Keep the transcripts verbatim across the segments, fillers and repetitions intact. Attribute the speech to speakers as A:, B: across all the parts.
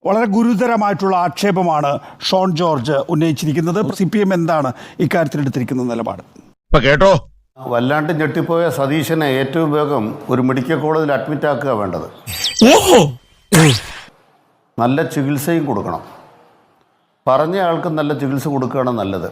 A: വളരെ ഗുരുതരമായിട്ടുള്ള ആക്ഷേപമാണ് ഷോൺ ജോർജ് ഉന്നയിച്ചിരിക്കുന്നത്. സി പി എം എന്താണ് ഇക്കാര്യത്തിൽ എടുത്തിരിക്കുന്ന നിലപാട്?
B: കേട്ടോ,
C: വല്ലാണ്ട് ഞെട്ടിപ്പോയ സതീശനെ ഏറ്റവും വേഗം ഒരു മെഡിക്കൽ കോളേജിൽ അഡ്മിറ്റ് ആക്കുക വേണ്ടത്. നല്ല ചികിത്സയും കൊടുക്കണം. പറഞ്ഞ ആൾക്ക് നല്ല ചികിത്സ കൊടുക്കുകയാണ് നല്ലത്.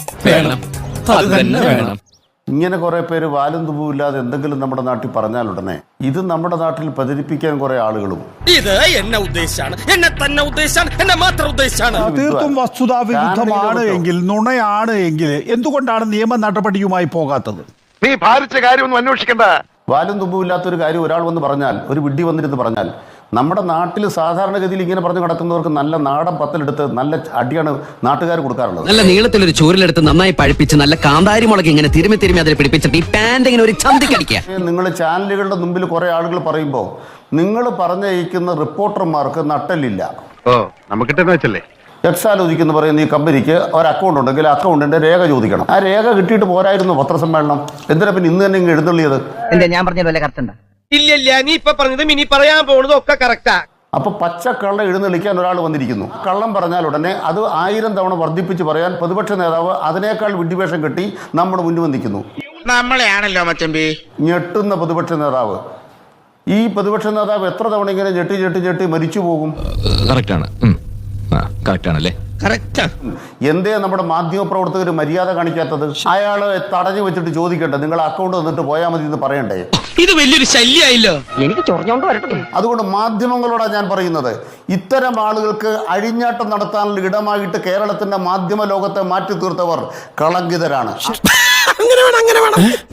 C: ഇങ്ങനെ കുറെ പേര് വാലും തുമ്പുമില്ലാതെ എന്തെങ്കിലും നമ്മുടെ നാട്ടിൽ പറഞ്ഞാൽ ഉടനെ ഇത് നമ്മുടെ നാട്ടിൽ പ്രചരിപ്പിക്കാൻ കുറെ ആളുകളും
D: ഇത് എന്നെ ഉദ്ദേശാണ്, എന്നെ തന്നെ ഉദ്ദേശാണ്, എന്നെ മാത്രം ഉദ്ദേശാണ്.
A: തീർത്തും വസ്തുതാ വിരുദ്ധമാണ് എങ്കിൽ, നുണയാണ് എങ്കിൽ എന്തുകൊണ്ടാണ് നിയമ നടപടിയുമായി പോകാത്തത്?
B: നീ ഭാരിച്ച കാര്യമൊന്നും അന്വേഷിക്കണ്ട.
C: വാലും തുമ്പുമില്ലാത്തൊരു കാര്യം ഒരാൾ വന്ന് പറഞ്ഞാൽ, ഒരു വിഡ്ഢി വന്നിരുന്ന് പറഞ്ഞാൽ, നമ്മുടെ നാട്ടിൽ സാധാരണഗതിയിൽ ഇങ്ങനെ പറഞ്ഞു കിടക്കുന്നവർക്ക് നല്ല നാടൻ പത്തലെടുത്ത് നല്ല അടിയാണ് നാട്ടുകാർ കൊടുക്കാറുള്ളത്.
E: നല്ല നീളത്തിലൊരു ചോറിലെടുത്ത് നന്നായി പഴിപ്പിച്ച് നല്ല കാന്താരി മുളക് ഇങ്ങനെ തിരുമി തിരുമി അതിൽ പിടിപ്പിച്ചിട്ട് ഈ പാന്റ് ഇങ്ങനെ ഒരു ചന്തിക്കടിക്കുക.
C: നിങ്ങൾ ചാനലുകളുടെ മുമ്പിൽ കുറെ ആളുകൾ പറയുമ്പോൾ നിങ്ങൾ പറഞ്ഞയക്കുന്ന റിപ്പോർട്ടർമാർക്ക് നട്ടലില്ല.
B: ഓ നമുക്കിട്ടെന്ന് വെച്ചല്ലേ,
C: എക്സാലോചിക്കുന്ന പറയുന്ന ഈ കമ്പനിക്ക് ഒരു അക്കൗണ്ട് ഉണ്ടെങ്കിൽ അക്കൗണ്ടിന്റെ രേഖ ചോദിക്കണം. ആ രേഖ കിട്ടിയിട്ട് പോരായിരുന്നു പത്രസമ്മേളനം? എന്തിനാ പിന്നെ ഇന്ന് തന്നെ ഇങ്ങ് എഴുന്നള്ളിയത്?
F: ഞാൻ പറഞ്ഞത് വല്ല കറക്റ്റ് ഉണ്ടോ?
D: ഇല്ല ഇല്ല, നീ ഇപ്പൊ പറഞ്ഞതും ഇനി പറയാൻ പോകുന്നതും ഒക്കെ കറക്റ്റാ.
C: അപ്പൊ പച്ച കള്ള എഴുന്നള്ളിക്കാൻ ഒരാൾ വന്നിരിക്കുന്നു. കള്ളം പറഞ്ഞാൽ ഉടനെ അത് ആയിരം തവണ വർദ്ധിപ്പിച്ച് പറയാൻ പ്രതിപക്ഷ നേതാവ് അതിനേക്കാൾ വിഡ്ഢിവേഷം കെട്ടി നമ്മുടെ മുന്നിൽ വന്നിരിക്കുന്നു.
D: നമ്മളെയാണല്ലോ മച്ചമ്പി
C: ഞെട്ടുന്ന പ്രതിപക്ഷ നേതാവ്. ഈ പ്രതിപക്ഷ നേതാവ് എത്ര തവണ ഇങ്ങനെ ഞെട്ടി ഞെട്ടി ഞെട്ടി മരിച്ചു പോകും?
G: കറക്റ്റാണ്, കറക്റ്റാണല്ലേ?
C: എന്തേ നമ്മുടെ മാധ്യമ പ്രവർത്തകർ മര്യാദ കാണിക്കാത്തത്? അയാള് തടഞ്ഞു വെച്ചിട്ട് ചോദിക്കട്ടെ, നിങ്ങൾ അക്കൗണ്ട് തന്നിട്ട് പോയാൽ മതി എന്ന് പറയണ്ടേ?
D: ഇത് വലിയൊരു ശല്യമായില്ലോ.
F: എനിക്ക് ചൊറിഞ്ഞോണ്ട് വരട്ടെ.
C: അതുകൊണ്ട് മാധ്യമങ്ങളോടാണ് ഞാൻ പറയുന്നത്, ഇത്തരം ആളുകൾക്ക് അഴിഞ്ഞാട്ടം നടത്താനുള്ള ഇടമായിട്ട് കേരളത്തിന്റെ മാധ്യമ ലോകത്തെ മാറ്റി തീർത്തവർ കളങ്കിതരാണ്.